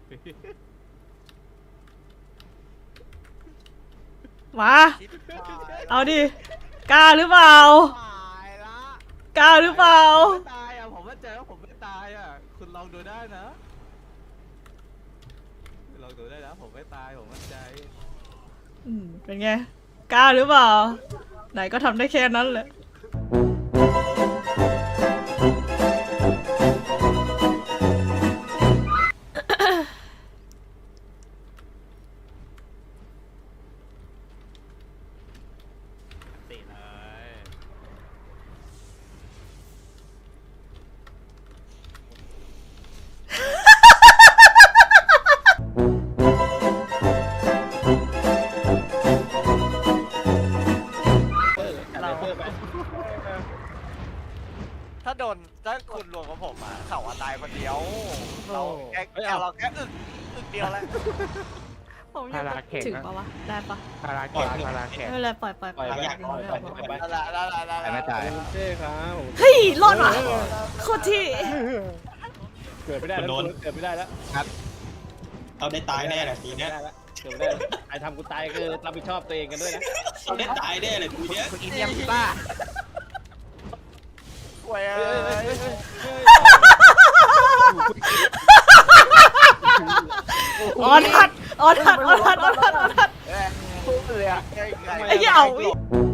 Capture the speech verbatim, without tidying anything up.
มาเอาดิกล้าหรือเปล่าตายละกล้าหรือเปล่าไม่ตายอ่ะผมมั่นใจว่าผมไม่ตายอ่ะคุณลองดูได้นะลองดูได้นะผมไม่ตายผมมั่นใจอืมเป็นไงกล้าหรือเปล่าไหนก็ทำได้แค่นั้นแหละติเลยถ้าโดนถ้าคุณรวมกับผมอ่ะเขาว่าตายคนเดียวเราแค่เราแค่อึกอึกเดียวแล้วผมยังถึงปะวะได้ปะคาราแขกคาราแขกไม่เป็นไรปล่อยปล่อยปล่อยปล่อยปล่อยปล่อยปล่อยปล่อยนั่นแหละนั่นแหละนั่นแหละไม่ตายเจ้ครับเฮ้ยรอดว่ะโคตรที่เกิดไม่ได้แล้วเกิดไม่ได้แล้วเราได้ตายแน่แหละทีเนี้ยได้แล้วเกิดไม่ได้แล้วไอ้ทำกูตายคือรับผิดชอบตัวเองกันด้วยนะเราได้ตายแน่เลยทีเนี้ยคุณอินเดียมบ้าป่วยเฮ้ยเฮ้ยเฮ้ยเฮ้ยออนทัดออนทัดออนทัดออนทัดออนทัดพูดเลยอ่ะไอ้เหี้ยเอาทำไม